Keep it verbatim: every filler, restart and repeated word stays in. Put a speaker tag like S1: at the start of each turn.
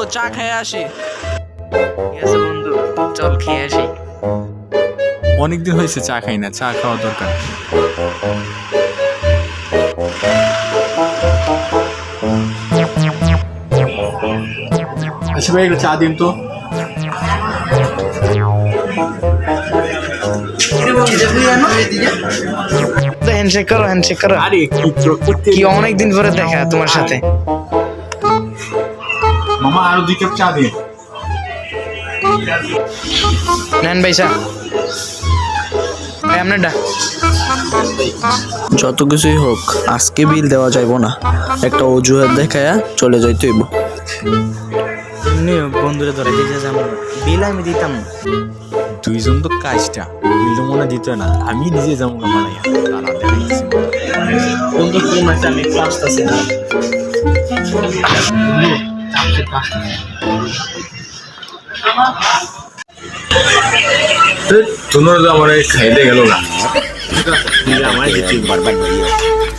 S1: চা খেয়ে আসি।
S2: ঠিক আছে বন্ধু, চল খেয়ে আসি।
S3: অনেকদিন হয়েছে চা খাই না, চা খাওয়া দরকার। আচ্ছা ভাই, একটু চা দিন তো।
S2: হ্যান্ডশেক করো, হ্যান্ডশেক করো।
S3: আরে
S2: কি অনেকদিন পরে দেখা তোমার সাথে।
S3: মামা আরো দুই কাপ চা দিন।
S2: নেন ভাই চা। ভাই আপনারটা।
S1: যত কিছুই হোক আজকে বিল দেওয়া যাইব না, একটা অজুহাত দেখায়া চলে যাইতে হইব।
S2: বন্ধুরে ধরে দিতে যাবো, বিল আমি দিতাম।
S3: দুইজন তো কাজটা বিলটা মনে দিত না, আমি নিজে যাবো মালাইয়া। তারা দেখাইছি
S1: বন্ধু ফোন আছে, আমি একটু আসতেছি না।
S3: তোমরা তো আমার খাইতে গেল না।
S4: আমার কিছু বরবাদ হয়ে